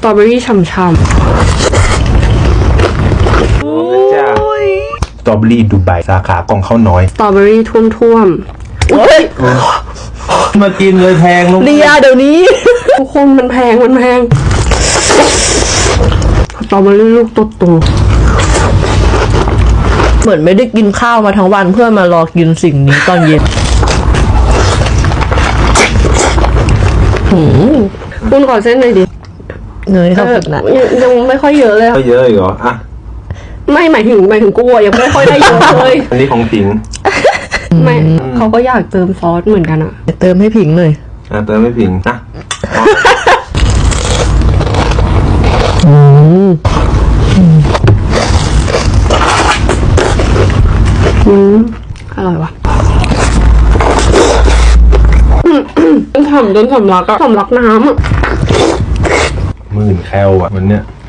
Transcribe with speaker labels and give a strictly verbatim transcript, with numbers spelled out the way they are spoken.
Speaker 1: ตรอเบอรี่ฉ่ำๆ
Speaker 2: สตรอเบอรี่ดูไบสาขากองข้าวน้อย
Speaker 1: สตรอเบอรี่ท่วมๆอุ้ย
Speaker 2: มากินเลยแพงลง
Speaker 3: เดียเดี๋ยวนี้
Speaker 1: ทุกคนมันแพงมันแพงสตรอเบอรี่ลูกโต
Speaker 3: เหมือนไม่ได้กินข้าวมาทั้งวันเพื่อมารอกินสิ่งนี้ตอนเย็น
Speaker 1: ๆคุณขอเส้นหน่อยดิ
Speaker 3: เนยครับนะ
Speaker 1: เออยังยังไม่ค่อยเยอะเลยอะ
Speaker 2: ก็เยอะอีกเหรออ่ะ
Speaker 1: ไม่หมายถึงหมายถึงกูอะยังไม่ค่อยได้เยอะเลย
Speaker 2: อันนี้ของผิง
Speaker 1: ไม่เขาก็อยากเติมซอสเหมือนกันอะ
Speaker 3: เติมให้ผิงหน่อย
Speaker 2: อ่ะเติมไม่ผิงนะ
Speaker 1: อืมอร่อยวะจนฉ่ำจนสำลักอะสำลักน้ำอะ
Speaker 2: หมื่นแคลอ่ะมันเนี้ย